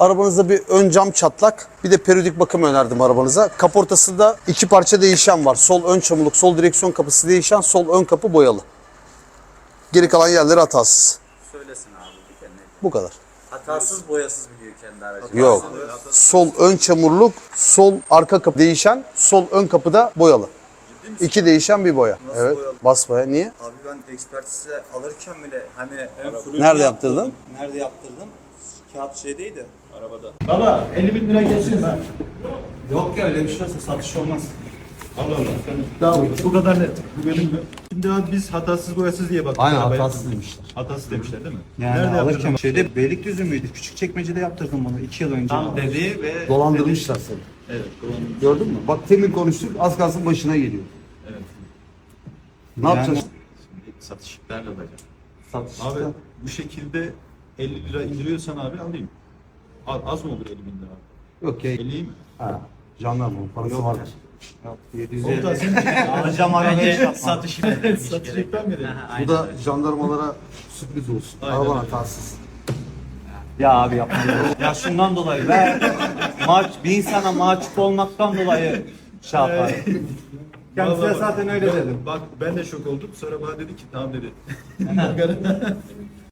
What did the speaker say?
Arabanızda bir ön cam çatlak, bir de periyodik bakım önerdim arabanıza. Kaportasında 2 parça değişen var. Sol ön çamurluk, sol direksiyon kapısı değişen, sol ön kapı boyalı. Geri kalan yerleri hatasız. Söylesin abi bir kere. Bu kadar. Hatasız boyasız biliyor kendi aracı. Yok. Sol ön çamurluk, sol arka kapı değişen, sol ön kapıda boyalı. 2 değişen bir boya. Nasıl Evet. boyalı? Basbaya. Niye? Abi ben ekspertize alırken bile hani Nerede yaptırdın? Nerede yaptırdım? Kağıt şeydeydi. Arabada. Baba 50.000 lira geçsin ha. Yok ya öyle bir şey olsa satış olmaz. Allah Allah. Daha bu kadar net. Bu benim mi? Şimdi abi biz hatasız boyasız diye baktık. Aynen arabaya. hatasız demişler. Hatasız demişler değil mi? Yani Nerede alırken yaptırdın? şeyde Beylikdüzü müydü? Küçükçekmece'de yaptırdım bunu 2 yıl önce. Tam dedi ve Dolandırmışlar seni. Evet. Doğru. Gördün mü? Bak temin konuştuk az kalsın başına geliyor. Evet. Ne yapacağız? Şimdi satış nerede olacak? Satışta. Abi bu şekilde 50 lira indiriyorsan abi alayım. Az mı olur 50.000 lira? Yok ya. 50'yi mi? Ha. Jandarma parası vardır. Yok, 750. Komutan sen Alacağım arabayı yapma. satış satacaktan mı dedin? Bu da jandarmalara sürpriz olsun. Aynen Araba öyle. hatasız. Ya abi yapma. Ya şundan dolayı bir insana mahcup olmaktan dolayı şey yapar. Kendisine Vallahi zaten öyle ben- dedim. Bak ben de şok oldum. Sonra bana dedi ki tamam dedi.